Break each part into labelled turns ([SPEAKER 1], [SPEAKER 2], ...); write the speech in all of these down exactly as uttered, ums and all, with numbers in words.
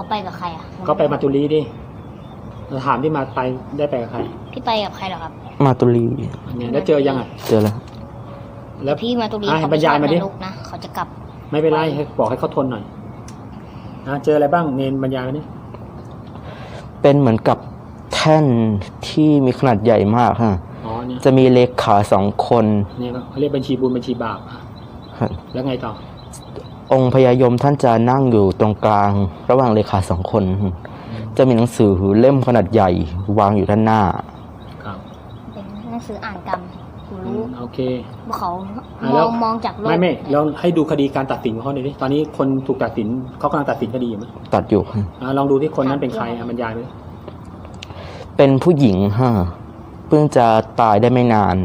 [SPEAKER 1] ไปกับใครอ่ะ
[SPEAKER 2] ก็ไปมาตุลีดิถามที่มาไปได้ไปกับใคร
[SPEAKER 1] พี่ไปกับใครเหรอครับ
[SPEAKER 3] มาตุลี
[SPEAKER 2] เนี่ยแล้วเจอยังอ่ะ
[SPEAKER 3] เจอแล้ว
[SPEAKER 2] แล้ว
[SPEAKER 1] พี่มาตุลี
[SPEAKER 2] เขาบรรยายมาดิ
[SPEAKER 1] นะเขาจะกลับ
[SPEAKER 2] ไม่เป็นไรให้บอกให้เขาทนหน่อยนะเจออะไรบ้างเนนบรรยายมาดิ
[SPEAKER 3] เป็นเหมือนกับแท่นที่มีขนาดใหญ่มากฮะ
[SPEAKER 2] อ๋อเนี่ย
[SPEAKER 3] จะมีเลขาสองคน
[SPEAKER 2] เนี่ยเขาเรียกบัญชีบุญบัญชีบาปแล้วไงต่อ
[SPEAKER 3] องค์พญายมท่านจะนั่งอยู่ตรงกลางระหว่างเลขาสองคนจะมีหนังสือเล่มขนาดใหญ่วางอยู่ด้านหน้า
[SPEAKER 2] ครับ
[SPEAKER 1] เป็นหนังสืออ่านกรรมรู้
[SPEAKER 2] โอเค
[SPEAKER 1] เขามองมองจากโลก
[SPEAKER 2] ไม่ไม่เราให้ดูคดีการตัดสินของเขาหน่อยดิตอนนี้คนถูกตัดสินเขากำลังตัดสินคดีอยู่ไหม
[SPEAKER 3] ตัดอยู่
[SPEAKER 2] ลองดูที่คนนั้นเป็นใครบรรยายไป
[SPEAKER 3] เป็นผู้หญิงฮะเพิ่งจะตายได้ไม่นาน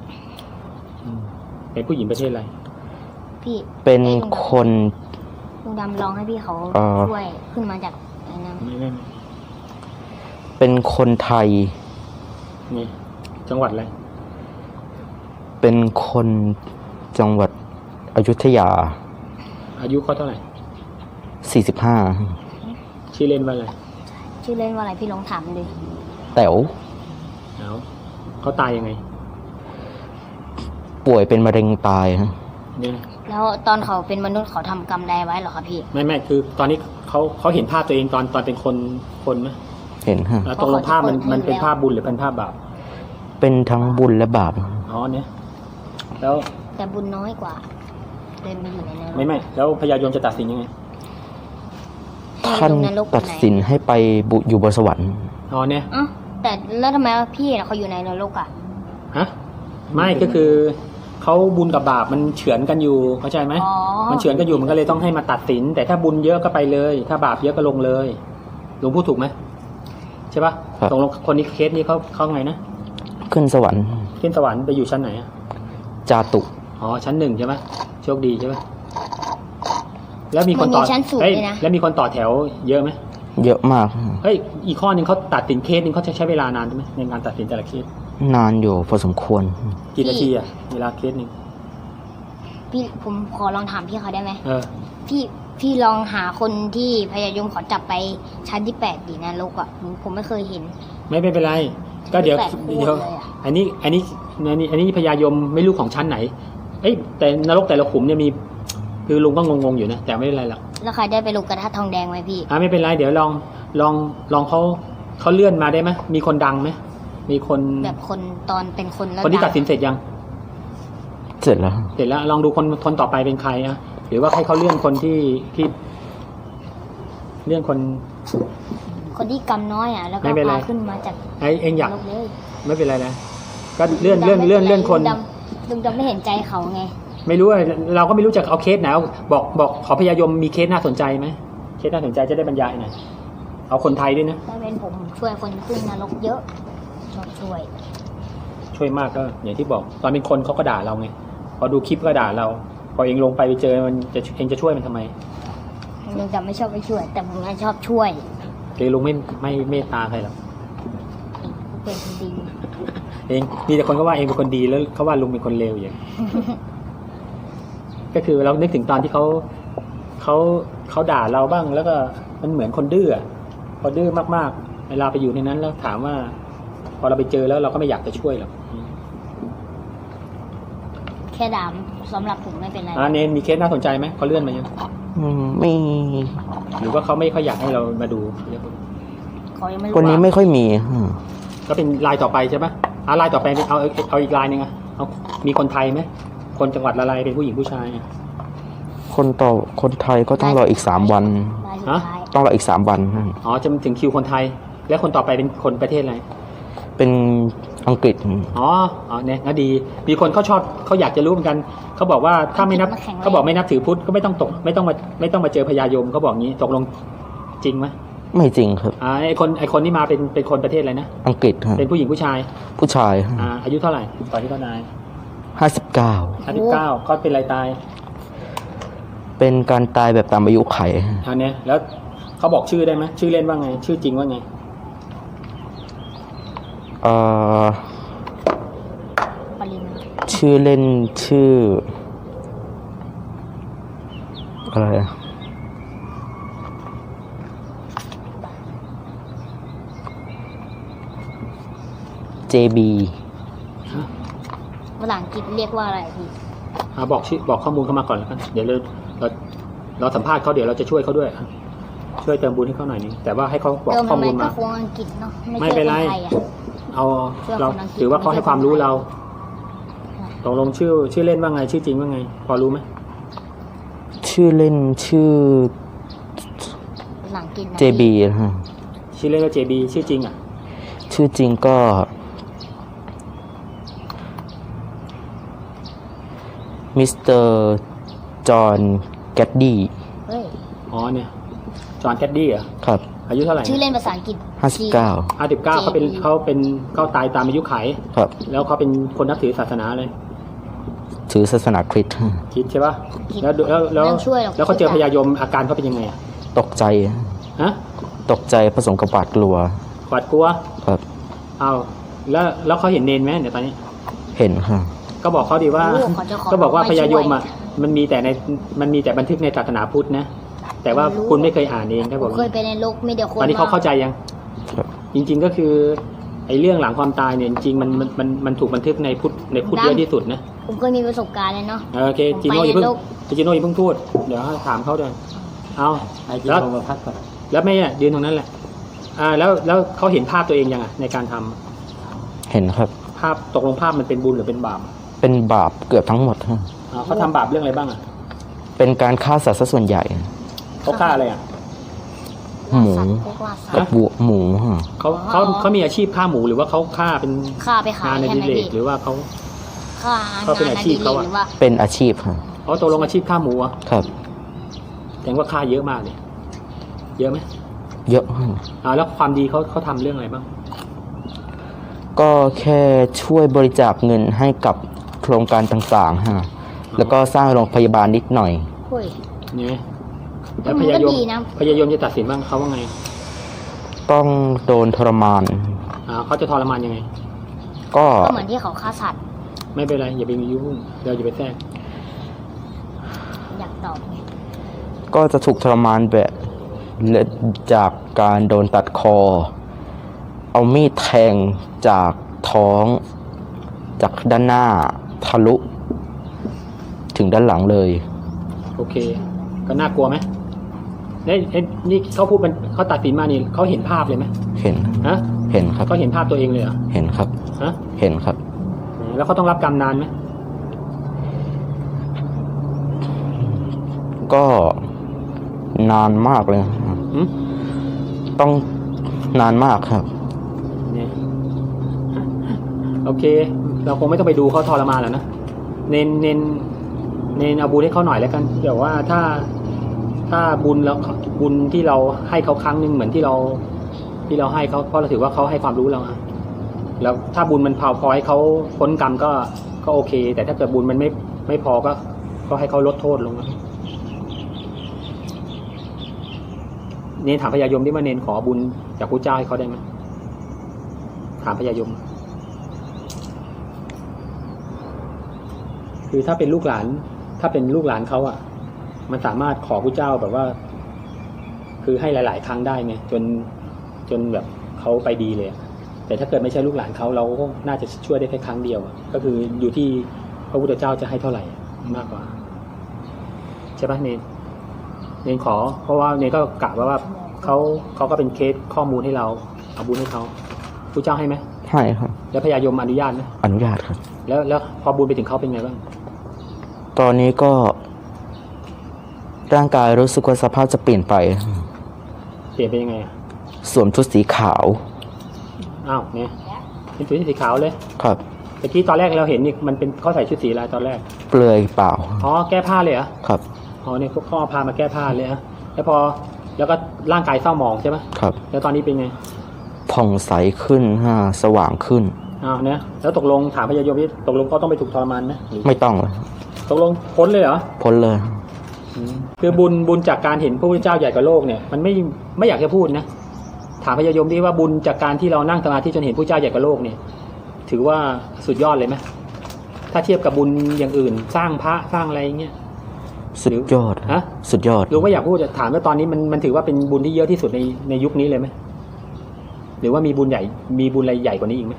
[SPEAKER 2] เป็นผู้หญิงประเทศอะไร
[SPEAKER 1] พี่
[SPEAKER 3] เป็นคน
[SPEAKER 1] ลุงดำลองให้พี่เขาช่วยขึ้นมาจากไอ้นั้น
[SPEAKER 2] ไม่ไม่
[SPEAKER 3] เป็นคนไทย
[SPEAKER 2] นี่จังหวัดอะไร
[SPEAKER 3] เป็นคนจังหวัดอยุธยา
[SPEAKER 2] อายุเขาเท่าไหร่
[SPEAKER 3] สี่สิบห้า
[SPEAKER 2] ชื่อเล่นว่าอะไร
[SPEAKER 1] ชื่อเล่นว่าอะไรพี่ลองถามดิ
[SPEAKER 3] แต๋ว
[SPEAKER 2] เอาเขาตายยังไง
[SPEAKER 3] ป่วยเป็นมะเร็งตายฮะ
[SPEAKER 2] เนี่ย
[SPEAKER 1] แล้วตอนเขาเป็นมนุษย์เขาทำกรรมใดไว้หรอครับพี่
[SPEAKER 2] ไม่ไม่คือตอนนี้เขาเขาเห็นภาพตัวเองตอนตอนเป็นคนคนไหม
[SPEAKER 3] เห็นฮะ
[SPEAKER 2] แล้วตรงลงภาพมันมันเป็นภาพบุญหรือเป็นภาพบาป
[SPEAKER 3] เป็นทั้งบุญและบาป
[SPEAKER 2] อ๋อเนี่ยแล้ว
[SPEAKER 1] แต่บุญน้อยกว่าเดินไปอยู่ในนั้น
[SPEAKER 2] ไม่ไม่แล้วพญายมจะตัดสินยังไง
[SPEAKER 3] ท่านตัดสินให้ไปบุอยู่บนสวรรค์
[SPEAKER 2] อ๋อเนี่ย
[SPEAKER 1] อ๋อแต่แล้วทำไมพี่เขาอยู่ในนรกอ่ะ
[SPEAKER 2] ฮะไม่ก็คือเขาบุญกับบาปมันเฉือนกันอยู่เข้าใจไหมมันเฉือนกันอยู่มันก็เลยต้องให้มาตัดสินแต่ถ้าบุญเยอะก็ไปเลยถ้าบาปเยอะก็ลงเลยลุงพูดถูกไหมใช่ปะตรงคนนี้เคสนี้เขาเขาไงนะ
[SPEAKER 3] ขึ้นสวรรค์
[SPEAKER 2] ขึ้นสวรรค์ไปอยู่ชั้นไหนอะ
[SPEAKER 3] จาตุ
[SPEAKER 2] อ๋อชั้นหนึ่งใช่ไหมโชคดีใช่ไหมแล้วมีคนต่อเฮ้ยแล้วมีคนต่อแถวเยอะไหม
[SPEAKER 3] เยอะมาก
[SPEAKER 2] เฮ้ยอีกข้อหนึ่งเขาตัดสินเคสหนึ่งเขาจะใช้เวลานานใช่ไหมในการตัดสินแต่ละเคส
[SPEAKER 3] นานอยู่พอสมควร
[SPEAKER 2] กี่นาทีอะเวลาเคสหนึ่ง
[SPEAKER 1] พี่ผมขอลองถามพี่เขาได้ไหม
[SPEAKER 2] เออ
[SPEAKER 1] พี่พี่ลองหาคนที่พญายมขอจับไปชั้นที่แปดดีนะลูกอ่ะผมไม่เคยเห็น
[SPEAKER 2] ไม่ไม่เป็นไรก็เดี๋ยวเดี๋ยวอันนี้อันนี้อันนี้อันนี้พญายมไม่รู้ของชั้นไหนเอ้ยแต่นรกแต่ละขุมเนี่ยมีคือลุงก็งงๆอยู่นะแต่ไม่เป็นไรหรอก
[SPEAKER 1] แล้วใครได้ไปลูกกระทะทองแดงไหมพี่
[SPEAKER 2] อ่าไม่เป็นไรเดี๋ยวลองลองลองเขาเขาเลื่อนมาได้ไหมมีคนดังไหมมีคน
[SPEAKER 1] แบบคนตอนเป็นคนแล้ว
[SPEAKER 2] คนที่ตัดสินเสร็จยัง
[SPEAKER 3] เสร็จแล้ว
[SPEAKER 2] เสร็จแล้วลองดูคนคนต่อไปเป็นใครอะหรือว่าให้เขาเลื่อนคนที่ที่เลื่อนคน
[SPEAKER 1] คนที่กำน้อยอ่ะแล้วก็พาขึ้นมาจาก
[SPEAKER 2] ไอเองอยากไม่เป็นไรนะก็เลื่อนเลื่อนเลื่อนเลื่อนคน
[SPEAKER 1] ลุงดำไม่เห็นใจเขาไง
[SPEAKER 2] ไม่รู้เราก็ไม่รู้จะเอาเคสไหนบอกบอกขอพญายมมีเคสน่าสนใจไหมเคสน่าสนใจจะได้บรรยายหน่อยเอาคนไทยด้วยนะ
[SPEAKER 1] ถ้าเป็นผมช่วยคนขึ้นนรกเยอะชอบช่วย
[SPEAKER 2] ช่วยมากก็อย่างที่บอกตอนเป็นคนเขาก็ด่าเราไงพอดูคลิปก็ด่าเราพอเองลงไปไปเจอมันจะเองจะช่วยมันทำไม
[SPEAKER 1] ลุงดำไม่ชอบไปช่วยแต่ผมชอบช่วย
[SPEAKER 2] เองลุงไม่ไม่เมตตาใครหรอก
[SPEAKER 1] เป็นคนดี
[SPEAKER 2] เองมีแต่คนก็ว่าเองเป็นคนดีแล้วเขาว่าลุงเป็นคนเลวอย่างก็คือเรานึกถึงตอนที่เขาเขาเขาด่าเราบ้างแล้วก็มันเหมือนคนดื้อพอดื้อมากๆเวลาไปอยู่ในนั้นแล้วถามว่าพอเราไปเจอแล้วเราก็ไม่อยากจะช่วยหรอก
[SPEAKER 1] แค่ด่าสำหรับผมไม่เป็นไร
[SPEAKER 2] อ่าเนนมีเคสน่าสนใจไหมเขาเลื่อนมายัง
[SPEAKER 3] ไม่
[SPEAKER 2] หรือว่าเขาไม่ค่อยอยากให้เรามาดู
[SPEAKER 3] คนนี้ไม่ค่อยมี
[SPEAKER 2] ก็เป็นลายต่อไปใช่ปะอ่าลายต่อไปเอาเอาอีกลายหนึ่งอ่ะเอามีคนไทยไหมคนจังหวัดอะไรเป็นผู้หญิงผู้ชาย
[SPEAKER 3] คนต่อคนไทยก็ต้องรออีกสามวัน
[SPEAKER 2] ฮะ
[SPEAKER 3] ต้องรออีกสามวัน
[SPEAKER 2] อ๋อจะถึงคิวคนไทยแล้วคนต่อไปเป็นคนประเทศอะไร
[SPEAKER 3] เป็นอังกฤษ
[SPEAKER 2] อ๋ออ๋อเนี่ยก็ดีมีคนเขาชอบเขาอยากจะรู้เหมือนกันเขาบอกว่าถ้าไม่นับเขาบอกไม่นับถือพุทธก็ไม่ต้องตกไม่ต้องมาไม่ต้องมาเจอพญายมเขาบอกงี้ตกลงจริงไหม
[SPEAKER 3] ไม่จริงครับ
[SPEAKER 2] อ่าไอคนไอคนที่มาเป็นเป็นคนประเทศอะไรนะ
[SPEAKER 3] อังกฤษ
[SPEAKER 2] เป็นผู้หญิงผู้ชาย
[SPEAKER 3] ผู้ชาย
[SPEAKER 2] อ่าอายุเท่าไหร่ตอนที่เขาตาย
[SPEAKER 3] ห้าสิบเก้า
[SPEAKER 2] ห้าสิบเก้าเขาเป็นอะไรตาย
[SPEAKER 3] เป็นการตายแบบตามอายุไข
[SPEAKER 2] อันนี้แล้วเขาบอกชื่อได้ไหมชื่อเล่นว่าไงชื่อจริงว่าไง
[SPEAKER 3] เอ่อชื่อเล่นชื่ออะไรเจ บี
[SPEAKER 1] ภาษาอังกฤษเรียกว่าอะไรพี่
[SPEAKER 2] อ่าบอกชื่อบอกข้อมูลเข้ามาก่อนแล้วกันเดี๋ยวเราเราเราสัมภาษณ์เขาเดี๋ยวเราจะช่วยเขาด้วยช่วยเติมบุญให้เขาหน่อยนึงแต่ว่าให้เขาบอก
[SPEAKER 1] เติม
[SPEAKER 2] ข้อ
[SPEAKER 1] ทำไม
[SPEAKER 2] มูล
[SPEAKER 1] ก็
[SPEAKER 2] มา
[SPEAKER 1] คงอังกฤษเนาะ
[SPEAKER 2] ไม่
[SPEAKER 1] ใช่
[SPEAKER 2] เป็นไร
[SPEAKER 1] คไทยอะ
[SPEAKER 2] เอา
[SPEAKER 1] ช่วย
[SPEAKER 2] เรา
[SPEAKER 1] คนอังกฤษ
[SPEAKER 2] ถือว่าเขาให้ความรู้เราตกลงชื่อชื่อเล่นว่าไงชื่อจริงว่าไง พอรู้ไหม
[SPEAKER 3] ชื่อเล่นชื่อ
[SPEAKER 1] ภาษาอังกฤษนะ
[SPEAKER 3] เจ บี นะฮะ
[SPEAKER 2] ชื่อเล่นว่า เจ บี ชื่อจริงอ่ะ
[SPEAKER 3] ชื่อจริงก็มิสเตอร์จอห์นแกดดี้
[SPEAKER 1] เฮ้ย
[SPEAKER 2] อ๋อเนี่ยจอห์นแคดดี้เหรอ
[SPEAKER 3] ครับ
[SPEAKER 2] อายุเท่าไหร่
[SPEAKER 1] ชื่อเล่นภาษาอังกฤษ
[SPEAKER 3] ห้าสิบเก้า
[SPEAKER 2] ห้าสิบเก้าเขาเป็นเขาเป็นเขาตายตามอายุไข
[SPEAKER 3] ครับ
[SPEAKER 2] แล้วเขาเป็นคนนับถือศาสนาเลย
[SPEAKER 3] ถือศาสนาคริสต์
[SPEAKER 2] คิดใช่ป่ะแล้วแล้วแล้ว
[SPEAKER 1] ไม่ต้องช่วยหรอก
[SPEAKER 2] แล้วเขาเจอพญายมอาการเขาเป็นยังไงอ่ะ
[SPEAKER 3] ตกใจ
[SPEAKER 2] ฮะ
[SPEAKER 3] ตกใจผสมกับหวาดกลัว
[SPEAKER 2] หวาดกลัว
[SPEAKER 3] ครับ
[SPEAKER 2] เอาแล้วแล้วเขาเห็นเนนไหมเดี๋ยวตอนนี้
[SPEAKER 3] เห็นค่ะ
[SPEAKER 2] ก็บอกเขาดีว่า
[SPEAKER 1] โอ้เขาจะขอ
[SPEAKER 2] ก็บอกว่า
[SPEAKER 1] ไม่
[SPEAKER 2] พ
[SPEAKER 1] ช่วย
[SPEAKER 2] ญายมอ่ะมันมีแต่ในมันมีแต่บันทึกในศาสนาพุทธนะแต่ว่า
[SPEAKER 1] รู้
[SPEAKER 2] คุณไม่เคยอ่านเองครับ
[SPEAKER 1] ผ
[SPEAKER 2] ผม ม
[SPEAKER 1] เคยไปในโลกมีเดียวคน
[SPEAKER 2] ตอนนี้เขาเข้าใจยัง
[SPEAKER 3] ครับ
[SPEAKER 2] จริง ๆก็คือไอ้เรื่องหลังความตายเนี่ยจริงๆมันมันมันมันถูกบันทึกในพุทธในพุทธเยอะที่สุดนะ
[SPEAKER 1] ผมเคยมีประสบการณ์เลยเนาะ
[SPEAKER 2] เออโอเค
[SPEAKER 1] ผม
[SPEAKER 2] จิโน่
[SPEAKER 1] ไป
[SPEAKER 2] อย่าเพิ่ง
[SPEAKER 1] ในโลก
[SPEAKER 2] จิโน่อย่าเพิ่งพูดเดี๋ยวให้ถามเขาด้วยเอา
[SPEAKER 4] ไอ้ที่
[SPEAKER 2] แล้ว
[SPEAKER 4] ลงมาพักก่อน
[SPEAKER 2] แล้วแม่อะยืนตรงนั้นแหละอ่าแล้วแล้วเขาเห็นภาพตัวเองยังอ่ะในการทำ
[SPEAKER 3] เห็นครับ
[SPEAKER 2] ภาพตกลงภาพมันเป็นบุญหรือเป็นบาป
[SPEAKER 3] เป็นบาปเกือบทั้งหมดฮะ
[SPEAKER 2] อ่าเขาทำบาปเรื่องอะไรบ้างอ่ะ
[SPEAKER 3] เป็นการฆ่าสัตว์ซะส่วนใหญ่
[SPEAKER 2] เขาฆ่าอะไรอ่ะ
[SPEAKER 3] หมู
[SPEAKER 1] ล่าสัตว์พวกล่าสัต
[SPEAKER 3] กับ
[SPEAKER 1] ว์
[SPEAKER 3] วัวหมูฮะ
[SPEAKER 2] เขาเขาเขามีอาชีพฆ่าหมูหรือว่าเขาฆ่าเป็น
[SPEAKER 1] ฆ่าไปขาง
[SPEAKER 2] าย นใน
[SPEAKER 1] ใช่
[SPEAKER 2] ดิ
[SPEAKER 1] ไหม
[SPEAKER 2] เลก
[SPEAKER 1] พี่
[SPEAKER 2] หรือว่าเขา
[SPEAKER 1] ฆ่า
[SPEAKER 2] เขาเป็น
[SPEAKER 1] งาน
[SPEAKER 2] อา
[SPEAKER 1] อ
[SPEAKER 2] ชี
[SPEAKER 1] ดิ
[SPEAKER 2] พ
[SPEAKER 1] เร
[SPEAKER 2] เขา
[SPEAKER 1] ก
[SPEAKER 2] อะ
[SPEAKER 1] หรือว่า
[SPEAKER 3] เป็นอาชีพฮะ
[SPEAKER 2] เขาตกลงอาชีพฆ่าหมูอ่ะ
[SPEAKER 3] ครับ
[SPEAKER 2] แสดงว่าฆ่าเยอะมากเลยเยอะไหม
[SPEAKER 3] เยอะฮะ
[SPEAKER 2] อ่าแล้วความดีเขาเขาทำเรื่องอะไรบ้าง
[SPEAKER 3] ก็แค่ช่วยบริจาคเงินให้กับโครงการต่างๆฮะแล้วก็สร้างโรงพยาบาลนิดหน่อย
[SPEAKER 1] เฮ้ย
[SPEAKER 2] เนี่ยแล้ว
[SPEAKER 1] มัน
[SPEAKER 2] พ
[SPEAKER 1] ก็
[SPEAKER 2] ญายม
[SPEAKER 1] ดีนะ
[SPEAKER 2] พญายมจะตัดสินบ้างเขาว่าไง
[SPEAKER 3] ต้องโดนทรมาน
[SPEAKER 2] อ่าเขาจะทรมานยังไง
[SPEAKER 3] ก็
[SPEAKER 1] ก็เหมือนที่เขาฆ่าสัตว์
[SPEAKER 2] ไม่เป็นไรอย่าไปมียุ่งเราอย่าไปแทรก
[SPEAKER 1] อยากตอบไง
[SPEAKER 3] ก็จะถูกทรมานแบบจากการโดนตัดคอ เอามีดแทงจากท้อง จากด้านหน้าทะลุ ถึงด้านหลังเลย
[SPEAKER 2] โอเค ก็น่ากลัวไหมเนี่ยเอ๊ะนี่เขาพูดมันเขาตัดสินมานี่เขาเห็นภาพเลยไหม
[SPEAKER 3] เห็น
[SPEAKER 2] ฮะ
[SPEAKER 3] เห็นครับ
[SPEAKER 2] เขาเห็นภาพตัวเองเลยเหรอ
[SPEAKER 3] เห็นครับ
[SPEAKER 2] ฮะ
[SPEAKER 3] เห็นครับ
[SPEAKER 2] แล้วเขาต้องรับกรรมนานไหม
[SPEAKER 3] ก็นานมากเลย
[SPEAKER 2] หืม
[SPEAKER 3] ต้องนานมากครับ
[SPEAKER 2] เนี่ยโอเค เราคงไม่ต้องไปดูเขาทรมานแล้วนะเน้นเน้นเน้นเอาบุญให้เขาหน่อยแล้วกันเดี๋ยวว่าถ้าถ้าบุญแล้วบุญที่เราให้เขาครั้งหนึ่งเหมือนที่เรา ที่เราให้เขาเพราะเราถือว่าเขาให้ความรู้เราอะแล้วถ้าบุญมันพอพอให้เขาพ้นกรรมก็ก็โอเค แต่ถ้าเกิดบุญมันไม่ไม่พอก็ ก็ให้เขาลดโทษลงนะเนนถามพญายมที่ว่าเนนขอบุญจากพระเจ้าให้เขาได้ไหมถามพญายม คือถ้าเป็นลูกหลาน ถ้าเป็นลูกหลานเขาอ่ะ มันสามารถขอพระเจ้าแบบว่า คือให้หลาย ๆ ครั้งได้ไงจนจนแบบเขาไปดีเลยอะแต่ถ้าเกิดไม่ใช่ลูกหลานเขาเราก็น่าจะช่วยได้แค่ครั้งเดียวอะก็คืออยู่ที่พระพุทธเจ้าจะให้เท่าไหร่มากกว่าใช่ปะเนนเนนขอ เพราะว่าเนนก็กะว่าว่าเขาเขาก็เป็นเคสข้อมูลให้เราเอาบุญให้เขาพระเจ้าให้ไหม
[SPEAKER 3] ให้ครับ
[SPEAKER 2] แล้วพญายมอนุญาตไหม
[SPEAKER 3] อนุญาตครับ
[SPEAKER 2] แล้วแล้วพอบุญไปถึงเขาเป็นไงบ้าง
[SPEAKER 3] ตอนนี้ก็ ร่างกายรู้สึกว่าสภาพจะเปลี่ยนไป
[SPEAKER 2] เปลี่ยนเป็นยังไงอ่ะ
[SPEAKER 3] สวมชุดสีขาว
[SPEAKER 2] อ้าวเนี่ยเป็นชุดสีขาวเลย
[SPEAKER 3] ครับ
[SPEAKER 2] เมื่อกี้ตอนแรกเราเห็นนี่มันเป็นเขาใส่ชุดสีอะไรตอนแรก
[SPEAKER 3] เปลือยเปล่า
[SPEAKER 2] อ๋อแก้ผ้าเลยเหรอ
[SPEAKER 3] ครับ
[SPEAKER 2] อ๋อเนี่ยพวกข้อพามาแก้ผ้าเลยฮะแล้วพอแล้วก็ร่างกายเศร้าหมองใช่ไหม
[SPEAKER 3] ครับ
[SPEAKER 2] แล้วตอนนี้เป็นไง
[SPEAKER 3] ผ่องใสขึ้นฮะสว่างขึ้น
[SPEAKER 2] อ้าวเนี่ยแล้วตกลงถามพญายมที่ตกลงเขาต้องไปถูกทรมานไหมหรือ
[SPEAKER 3] ไม่ต้องเลย
[SPEAKER 2] ตกลงพ้นเลยเหรอ
[SPEAKER 3] พ้นเลย
[SPEAKER 2] อืมคือบุญบุญจากการเห็นพระพุทธเจ้าใหญ่กว่าโลกเนี่ยมันไม่ไม่อยากจะพูดนะถามพญายมที่ว่าบุญจากการที่เรานั่งสมาธิจนเห็นพระเจ้าใหญ่กว่าโลกเนี่ย ถือว่าสุดยอดเลยไหมถ้าเทียบกับบุญอย่างอื่น สร้างพระสร้างอะไรเงี้ย
[SPEAKER 3] สุดยอด
[SPEAKER 2] ฮะ
[SPEAKER 3] สุดยอด
[SPEAKER 2] รู้ว่าอยากพูดจะถามว่าตอนนี้มันมันถือว่าเป็นบุญที่เยอะที่สุดในในยุคนี้เลยไหมหรือว่ามีบุญใหญ่มีบุญอะไรใหญ่กว่านี้อีกไหม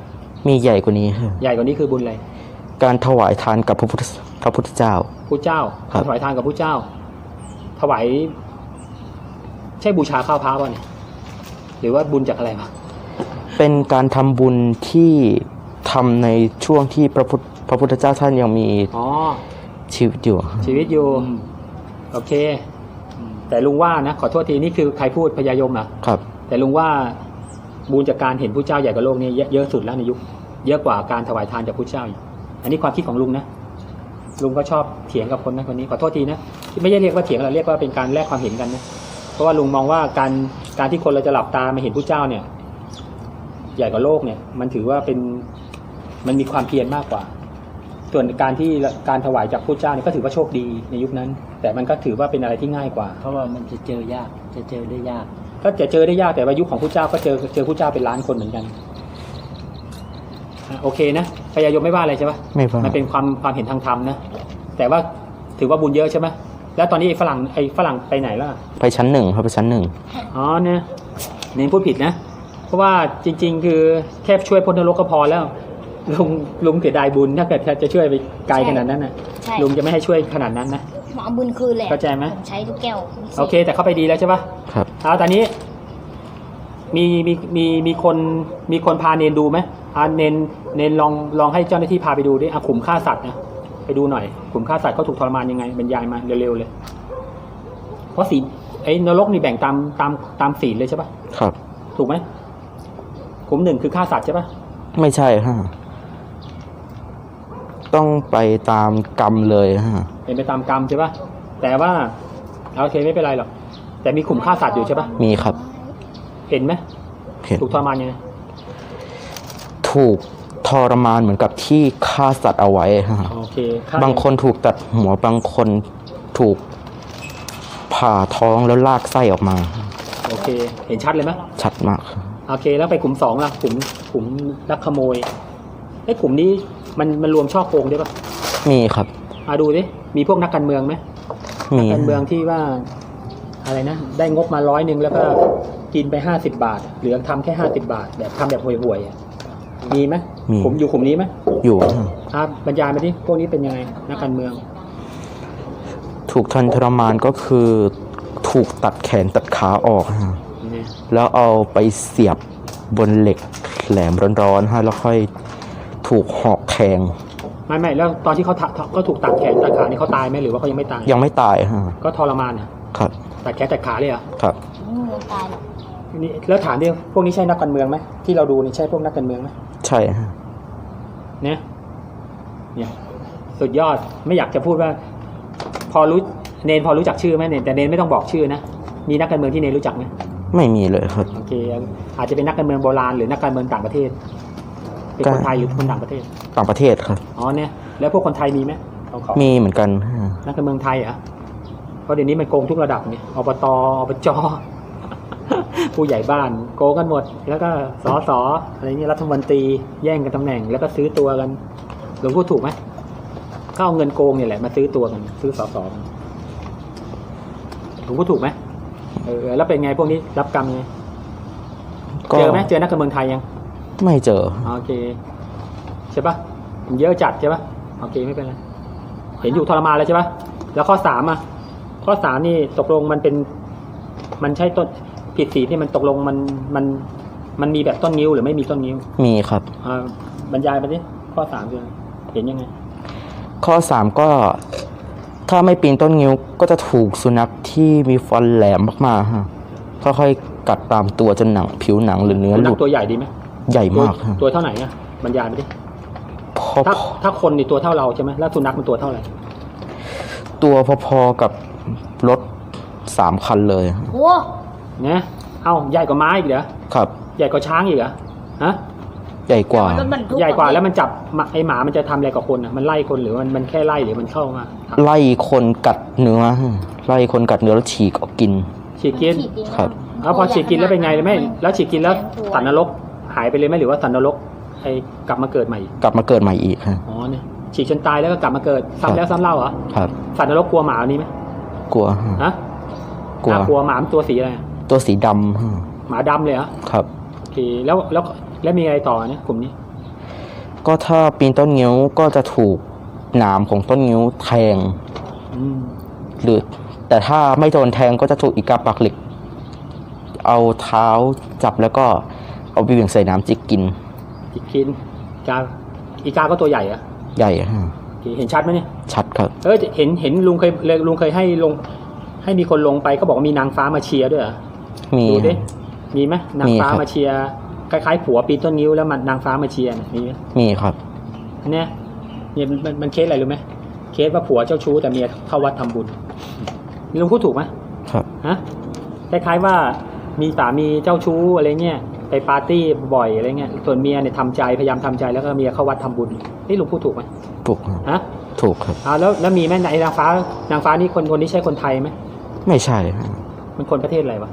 [SPEAKER 3] มีใหญ่กว่านี้ครับ
[SPEAKER 2] ใหญ่กว่านี้คือบุญอะไร
[SPEAKER 3] การถวายทานกับพระพุทธพระพุทธเจ้า
[SPEAKER 2] ผู้เจ้า
[SPEAKER 3] ครับ
[SPEAKER 2] ถวายทานกับผู้เจ้า ถวายใช่บูชาข้าวพระป่ะเนี่ยหรือว่าบุญจากอะไรมา
[SPEAKER 3] เป็นการทำบุญที่ทำในช่วงที่พระพุทธพระพุทธเจ้าท่านยังมี
[SPEAKER 2] อ๋อ
[SPEAKER 3] ชีวิตอยู่
[SPEAKER 2] ชีวิตอยู่โอเค แต่ลุงว่านะขอโทษทีนี่คือใครพูดพญายมอ่ะ
[SPEAKER 3] ครับ
[SPEAKER 2] แต่ลุงว่าบุญจากการเห็นผู้เจ้าใหญ่กว่าโลกนี่เยอะสุดแล้วในยุคเยอะกว่าการถวายทานจากผู้เจ้าอีกอันนี้ความคิดของลุงนะลุงก็ชอบเถียงกับคนนั้นคนนี้ขอโทษทีนะไม่ใช่เรียกว่าเถียงเราเรียกว่าเป็นการแลกความเห็นกันนะเพราะว่าลุงมองว่าการการที่คนเราจะหลับตามาเห็นผู้เจ้าเนี่ย ใหญ่กว่าโลกเนี่ย มันถือว่าเป็นมันมีความเพียรมากกว่า ส่วนการที่การถวายจากผู้เจ้าเนี่ยก็ถือว่าโชคดีในยุคนั้น แต่มันก็ถือว่าเป็นอะไรที่ง่ายกว่า
[SPEAKER 4] เพราะว่ามันจะเจอยากจะเจอได้ยาก
[SPEAKER 2] ก็จะเจอได้ยากแต่ว่ายุคของผู้เจ้าก็เจอเจอผู้เจ้าเป็นล้านคนเหมือนกันอ่ะโอเคนะพญายมไม่ว่าอะไรใช่ปะ
[SPEAKER 3] ไม่ว่า
[SPEAKER 2] มันเป็นความความเห็นทางธรรมนะแต่ว่าถือว่าบุญเยอะใช่ไหมแล้วตอนนี้ไอ้ฝรั่งไอ้ฝรั่งไปไหนล่ะ
[SPEAKER 3] ไปชั้นหนึ่งครับไปชั้นหนึ่ง
[SPEAKER 2] อ๋อเนี่ยเน้นพูดผิดนะเพราะว่าจริง ๆ คือแค่ช่วยพ้นนรกก็พอแล้วลุงลุงเสียดายบุญถ้าเกิดจะช่วยไปไกลขนาดนั้นน่ะ
[SPEAKER 1] ใช่
[SPEAKER 2] ลุงจะไม่ให้ช่วยขนาดนั้นนะ
[SPEAKER 1] หมอบุญคืนเลย
[SPEAKER 2] เข้าใจไหม
[SPEAKER 1] ผมใช้ทุกแก้ว
[SPEAKER 2] โอเค แต่เข้าไปดีแล้วใช่ปะ
[SPEAKER 3] ครับ
[SPEAKER 2] เอาตอนนี้มีมีมีมีคนมีคนพาเนนดูไหมอ่าเนนเนนลองลองให้เจ้าหน้าที่พาไปดูดิอ่ะขุมฆ่าสัตว์นะไปดูหน่อยขุมฆ่าสัตว์เขาถูกทรมานยังไงบรรยายมาเร็วๆเลย เพราะศีลไอ้นรกนี่แบ่งตามตามตามศีลเลยใช่ปะ
[SPEAKER 3] ครับ
[SPEAKER 2] ถูกไหมขุมหนึ่งคือฆ่าสัตว์ใช่ปะ
[SPEAKER 3] ไม่ใช่ฮะต้องไปตามกรรมเลยฮะ
[SPEAKER 2] เป็นไปตามกรรมใช่ปะแต่ว่าโอเคไม่เป็นไรหรอกแต่มีขุมฆ่าสัตว์อยู่ใช่ปะ
[SPEAKER 3] มีครับ
[SPEAKER 2] เห็นไหม
[SPEAKER 3] เห็น
[SPEAKER 2] ถูกทรมานยังไง
[SPEAKER 3] ถูกทรมานเหมือนกับที่ฆ่าสัตว์เอาไว้ฮะ
[SPEAKER 2] โอเคฆ่า
[SPEAKER 3] บางคนถูกตัดหัวบางคนถูกผ่าท้องแล้วลากไส้ออกมา
[SPEAKER 2] โอเค เห็นชัดเลยไหม
[SPEAKER 3] ชัดมากครับ
[SPEAKER 2] โอเคแล้วไปกลุ่มสองล่ะกลุ่มกลุ่มลักขโมยไอ้กลุ่มนี้มันมันรวมช่อโกงได้ปะ
[SPEAKER 3] มีครับ
[SPEAKER 2] อ่ะดูดิมีพวกนักการเมืองไหม
[SPEAKER 3] มี
[SPEAKER 2] นักการเมืองที่ว่าอะไรนะได้งบมาร้อยหนึ่งแล้วก็กินไปห้าสิบบาทเหลือทำแค่ห้าสิบบาทแบบทำแบบห่วยๆอ่ะมีไหม
[SPEAKER 3] มี
[SPEAKER 2] ผมอยู่กลุ่มนี้ไหม
[SPEAKER 3] อยู่
[SPEAKER 2] อ่ะบรรยายมาดิพวกนี้เป็นยังไงนักการเมือง
[SPEAKER 3] ถูกทนทรมานก็คือถูกตัดแขนตัดขาออกฮะ
[SPEAKER 2] เนี่ย
[SPEAKER 3] แล้วเอาไปเสียบบนเหล็กแหลมร้อนๆฮะแล้วค่อยถูกหอกแทง
[SPEAKER 2] ไม่ไม่แล้วตอนที่เขาทะก็ถูกตัดแขนตัดขานี่เขาตายไหมหรือว่าเขายังไม่ตาย
[SPEAKER 3] ยังไม่ตายฮะ
[SPEAKER 2] ก็ทรมานอ่ะ
[SPEAKER 3] ครับ
[SPEAKER 2] ตัดแขนตัดขาเลยเหรอ่ะ
[SPEAKER 3] ครับ
[SPEAKER 1] ไม่มีวันตายหรอก
[SPEAKER 2] นี่แล้วถามดิพวกนี้ใช่นักการเมืองไหมที่เราดูนี่ใช่พวกนักการเมืองไหม
[SPEAKER 3] ใช่ฮะ
[SPEAKER 2] เนี่ยเนี่ยสุดยอดไม่อยากจะพูดว่า พอรู้เนนพอรู้จักชื่อไหมเนนแต่เนนไม่ต้องบอกชื่อนะมีนักการเมืองที่เนนรู้จักไหม
[SPEAKER 3] ไม่มีเลยครับ
[SPEAKER 2] โอเคอาจจะเป็นนักการเมืองโบราณหรือนักการเมืองต่างประเทศ เป็นคนไทยหรือคนต่างประเทศ
[SPEAKER 3] ต่างประเทศครับ
[SPEAKER 2] อ๋อเนี่ยแล้วพวกคนไทยมีไหมเขาขอ
[SPEAKER 3] มีเหมือนกันฮะ
[SPEAKER 2] นักการเมืองไทยเหรอ่ะเพราะเดี๋ยวนี้มันโกงทุกระดับเนี่ยอบตอบจ ผู้ใหญ่บ้านโกงกันหมด แล้วก็สสอะไรเงี้ยรัฐมนตรีแย่งกันตำแหน่ง แล้วก็ซื้อตัวกันหลวงพูดถูกไหมก็เอาเงินโกงเนี่ยแหละมาซื้อตัวกัน ซื้อสสกันหลวงพูดถูกไหมเออแล้วเป็นไงพวกนี้รับกรรมไง
[SPEAKER 3] ก็
[SPEAKER 2] เจอไหมเจอนักการเมืองไทยยัง
[SPEAKER 3] ไม่เจอ
[SPEAKER 2] โอเคใช่ปะมันเยอะจัดใช่ปะโอเคไม่เป็นไรเห็นอยู่ทรมานแล้วใช่ปะแล้วข้อสามอ่ะ ข้อสามนี่ตกลงมันเป็น มันใช่ต้นผิดศีลที่มันตกลงมันมันมันมีแบบต้นนิ้วหรือไม่มีต้นนิ้ว
[SPEAKER 3] มีครับ
[SPEAKER 2] อ่าบรรยายไปดิข้อสามคือเห็นยังไง
[SPEAKER 3] ข้อสามก็ถ้าไม่ปีนต้นงิ้วก็จะถูกสุนัขที่มีฟันแหลมมากๆฮะค่อยๆกัดตามตัวจนหนังผิวหนังหรือเนื้อ
[SPEAKER 2] สุ
[SPEAKER 3] ห
[SPEAKER 2] นั
[SPEAKER 3] ลุ
[SPEAKER 2] ข
[SPEAKER 3] ด
[SPEAKER 2] ตัวใหญ่ดีไหม
[SPEAKER 3] ใหญ่
[SPEAKER 2] ตัว
[SPEAKER 3] มากฮะ
[SPEAKER 2] ตัวเท่าไหร่อ่ะบรรยายไปดิ
[SPEAKER 3] พอ
[SPEAKER 2] ถ้าถ้าคนนี่ตัวเท่าเราใช่ไหมแล้วสุนัขมันตัวเท่าไหร่
[SPEAKER 3] ตัวพอๆกับรถสามคันเลย
[SPEAKER 1] โอ้
[SPEAKER 2] เนี่ยเอ้าใหญ่กว่าม้าอีกเหรอ
[SPEAKER 3] ครับ
[SPEAKER 2] ใหญ่กว่าช้างอีกเหรอฮะ
[SPEAKER 3] ใหญ่กว่า
[SPEAKER 1] รถบรรทุก
[SPEAKER 2] ใหญ่กว่าแล้วมันจับหมาไอหมามันจะทำอะไรกับคนอ่ะมันไล่คนหรือมันมันแค่ไล่หรือมันเข้ามา
[SPEAKER 3] ไล่คนกัดเนื้อฮะไล่คนกัดเนื้อแล้วฉีกออกกิน
[SPEAKER 2] ฉีกกิน
[SPEAKER 1] ฉีกเอง
[SPEAKER 3] ครับ
[SPEAKER 2] แล้วพอฉีกกินแล้วเป็นไงไหมแล้วฉีกกินแล้วสันนรกหายไปเลยไหมหรือว่าสันนรกไอกลับมาเกิดใหม่อีก
[SPEAKER 3] กลับมาเกิดใหม่อีกฮะ
[SPEAKER 2] อ๋อเนี่ยฉีกจนตายแล้วก็กลับมาเกิดซ้ำแล้วซ้ำเล่าเหรอ
[SPEAKER 3] ครับ
[SPEAKER 2] สันนรกกลัวหมาอันนี้ไหม
[SPEAKER 3] กลัวฮะ
[SPEAKER 2] ฮะ
[SPEAKER 3] กลัว
[SPEAKER 2] น่ากลัวหมามันตัวสีอะไรอะ
[SPEAKER 3] ตัวสีดำฮะ
[SPEAKER 2] หมาดำเลยเหรอ
[SPEAKER 3] ครับ
[SPEAKER 2] โอเคแล้วแล้วแล้วมีอะไรต่อเนี่ยกลุ่มนี้
[SPEAKER 3] ก็ถ้าปีนต้นงิ้วก็จะถูกหนามของต้นงิ้วแทง
[SPEAKER 2] อืม
[SPEAKER 3] หรือแต่ถ้าไม่โดนแทงก็จะถูกอีกาปากเหล็ก เอาเท้าจับแล้วก็เอาไปเหวี่ยงใส่น้ำจิกกิน
[SPEAKER 2] จิกกินกาอีกาก็ตัวใหญ่อะ
[SPEAKER 3] ใหญ่ฮะ
[SPEAKER 2] เห็นชัดไหมเนี่ย
[SPEAKER 3] ชัดครับ
[SPEAKER 2] เออเห็นเห็นลุงเคยลุงเคยให้ลง ให้มีคนลงไปก็บอกว่ามีนางฟ้ามาเชียร์ด้วยเหรอ
[SPEAKER 3] มี
[SPEAKER 2] ดูดิ
[SPEAKER 3] ฮะ
[SPEAKER 2] มีไหมนางฟ้า
[SPEAKER 3] มีครับ
[SPEAKER 2] มาเชียร์คล้ายๆผัวปีนต้นนิ้วแล้วมันนางฟ้ามาเชียร์เนี่ยมีไหม
[SPEAKER 3] มีครับ
[SPEAKER 2] อันเนี้ยเนี่ยมันมันมันเคสอะไรรู้ไหมเคสว่าผัวเจ้าชู้แต่เมียเข้าวัดทำบุญลุงพูดถูกไหม
[SPEAKER 3] ครับ
[SPEAKER 2] ฮะคล้ายๆว่ามีสามีเจ้าชู้อะไรเงี้ยไปปาร์ตี้บ่อยอะไรเงี้ยส่วนเมียเนี่ยทำใจพยายามทำใจแล้วก็เมียเข้าวัดทำบุญนี่ลุงพูดถูกไหม
[SPEAKER 3] ถูกครับ
[SPEAKER 2] ฮะ
[SPEAKER 3] ถูกครับ
[SPEAKER 2] อ่าแล้วแล้วมีไหมไอ้นางฟ้านางฟ้านี่คนคนนี้ใช่คนไทยไหม
[SPEAKER 3] ไม่ใช่ฮะ
[SPEAKER 2] มันคนประเทศอะไรวะ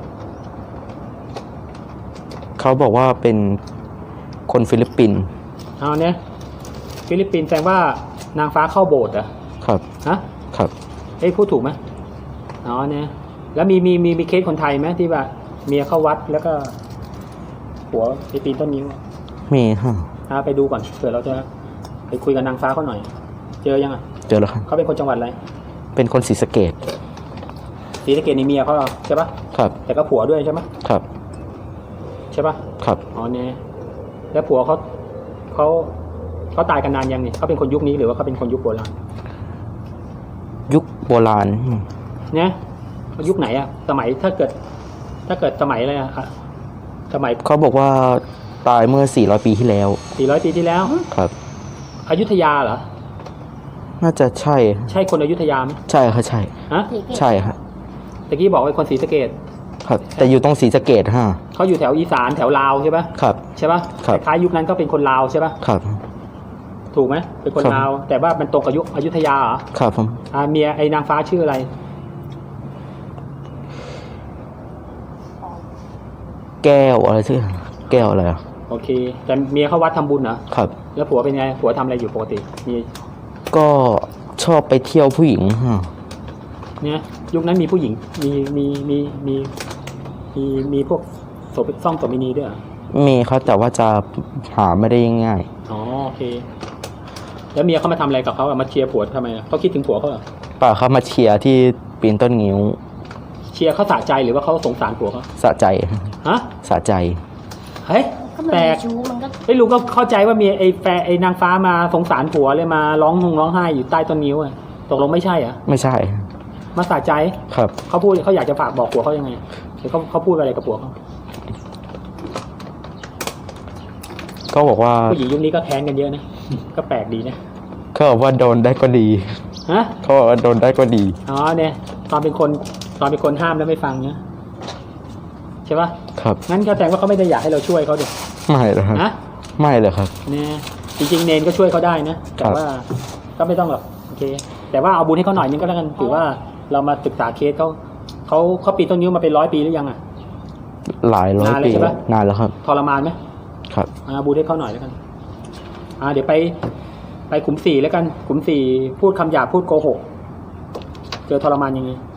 [SPEAKER 3] เขาบอกว่าเป็นคนฟิลิปปินส์
[SPEAKER 2] เอาเนี่ยฟิลิปปินส์แสดงว่านางฟ้าเข้าโบสถ์เหรอ
[SPEAKER 3] ครับ
[SPEAKER 2] ฮะ
[SPEAKER 3] ครับ
[SPEAKER 2] เอ้ยพูดถูกไหมอ๋อเนี่ยแล้วมีมีมีมีเคสคนไทยไหมที่ว่าเมียเข้าวัดแล้วก็ผัวไปปีนต้นนิ้ว
[SPEAKER 3] มีฮะ
[SPEAKER 2] อ่าไปดูก่อนเผื่อเราจะไปคุยกับนางฟ้าเขาหน่อย เจอยังอ่ะ
[SPEAKER 3] เจอแล้วครับ
[SPEAKER 2] เขาเป็นคนจังหวัดอะไร
[SPEAKER 3] เป็นคนศรีสะเกษ
[SPEAKER 2] ศรีสะเกษนี่เมียเขาเหรอใช่ปะ
[SPEAKER 3] ครับ
[SPEAKER 2] แต่ก็ผัวด้วยใช่ไหม
[SPEAKER 3] ครับ
[SPEAKER 2] ใช่ปะ
[SPEAKER 3] ครับ
[SPEAKER 2] อ๋อเนี่ยแล้วผัวเขาเขาเขาตายกันนานยังเนี่ยเขาเป็นคนยุคนี้หรือว่าเขาเป็นคนยุคโบราณ
[SPEAKER 3] ยุคโบราณ
[SPEAKER 2] เนี่ยยุคไหนอะสมัยถ้าเกิด ถ้าเกิดสมัยอะไรอะค่ะสมัย
[SPEAKER 3] เขาบอกว่าตายเมื่อสี่ร้อยปีที่แล้ว
[SPEAKER 2] สี่ร้อยปีที่แล้ว
[SPEAKER 3] ครับ
[SPEAKER 2] อยุธยาเหรอ
[SPEAKER 3] น่าจะใช่
[SPEAKER 2] ใช่คนอยุธยาไหม
[SPEAKER 3] ใช่ครับใช่
[SPEAKER 2] ฮะ
[SPEAKER 3] ใช่ครับ
[SPEAKER 2] ตะกี้บอกว่าเป็นคนศรีสะเกษ
[SPEAKER 3] ครับ แต่อยู่ตรงศรีสะเกษฮะ
[SPEAKER 2] เขาอยู่แถวอีสานแถวลาวใช่ปะ
[SPEAKER 3] ครับ
[SPEAKER 2] ใช่ปะ
[SPEAKER 3] ครับ
[SPEAKER 2] คล้ายยุคนั้นก็เป็นคนลาวใช่ปะ
[SPEAKER 3] ครับ
[SPEAKER 2] ถูกไหมเป็นคน
[SPEAKER 3] ครับ
[SPEAKER 2] ลาว แต่ว่ามันตรงกับยุคอยุธยาเหรอ
[SPEAKER 3] ครับผม
[SPEAKER 2] อ่าเมียไอ้นางฟ้าชื่ออะไร
[SPEAKER 3] แก้วอะไรชื่อแก้วอะไรอ่ะ
[SPEAKER 2] โอเค แต่เมียเขาวัดทำบุญเหรอ
[SPEAKER 3] ครับ
[SPEAKER 2] แล้วผัวเป็นไงผัวทำอะไรอยู่ปกติมี
[SPEAKER 3] ก็ชอบไปเที่ยวผู้หญิงฮะ
[SPEAKER 2] เนี่ยยุคนั้นมีผู้หญิงมีมีมีมีมีมีพวกโสเภซ่องโสมินีด้วยเหรอ
[SPEAKER 3] มีครับแต่ว่าจะหาไม่ได้ง่าย
[SPEAKER 2] อ๋อโอเค แล้วเมียเขามาทำอะไรกับเขาอะมาเชียร์ผัวทำไมอะเขาคิดถึงผัวเขาเหรอ
[SPEAKER 3] ๆป่าเขามาเชียร์ที่ปีนต้นงิ้ว
[SPEAKER 2] เชียร์เขาสะใจหรือว่าเขาสงสารผัวเขา
[SPEAKER 3] สะใจ
[SPEAKER 2] ฮะ
[SPEAKER 3] สะใจ
[SPEAKER 1] ๆ
[SPEAKER 2] เฮ้ย
[SPEAKER 1] ก็มัน
[SPEAKER 2] แปล
[SPEAKER 1] มี
[SPEAKER 2] ก
[SPEAKER 1] ชู้มันก็
[SPEAKER 2] ไอ้ยลุงก็เข้าใจว่ามีไอ้แฟนไอ้นางฟ้ามาสงสารผัวเลยมาร้องหงร้องไห้อยู่ใต้ต้นนิ้วอะตกลงไม่ใช่เหรอ
[SPEAKER 3] ไม่ใช่
[SPEAKER 2] มาสะใจ
[SPEAKER 3] ครับ
[SPEAKER 2] เขาพูดเขาอยากจะฝากบอกผัวเขายังไงหรือเขาเขาพูดอะไรกับผัวเขา
[SPEAKER 3] ก็บอกว่า
[SPEAKER 2] ผู้หญิงยุคนี้ก็แค้นกันเยอะนะ ก็แปลกดีนะ
[SPEAKER 3] เขาบอกว่าโดนได้ก็ดี
[SPEAKER 2] ฮะ
[SPEAKER 3] เขาบอกว่าโดนได้ก็ดี
[SPEAKER 2] อ๋อเนี่ยตอนเป็นคนตอนเป็นคนห้ามแล้วไม่ฟังเนี่ยใช่ปะ
[SPEAKER 3] ครับ
[SPEAKER 2] งั้นก็แสดงว่าเขาไม่ได้อยากให้เราช่วยเขาดิ
[SPEAKER 3] ไม่เลยครับ
[SPEAKER 2] ฮะ
[SPEAKER 3] ไม่เลยครับ
[SPEAKER 2] เนี่ยจริงๆเนนก็ช่วยเขาได้นะแต่ว่าก็ไม่ต้องหรอกโอเค แต่ว่าเอาบุญให้เขาหน่อยนึงก็แล้วกันถือว่าเรามาศึกษาเคสเขาเขาเขาปีนต้นนิ้วมาเป็นร้อยปีหรือยังอ่ะ
[SPEAKER 3] หลายร้อย
[SPEAKER 2] นานแล้ว
[SPEAKER 3] ปี
[SPEAKER 2] ใช่ปะ
[SPEAKER 3] นานแล้วครับ
[SPEAKER 2] ทรมานไหม
[SPEAKER 3] ครับ
[SPEAKER 2] อ่าบุญให้เขาหน่อยแล้วกันอ่าเดี๋ยวไปไปขุมสี่แล้วกันขุมสี่พูดคำหยาบพูดโกหกเจอทรมานยังไง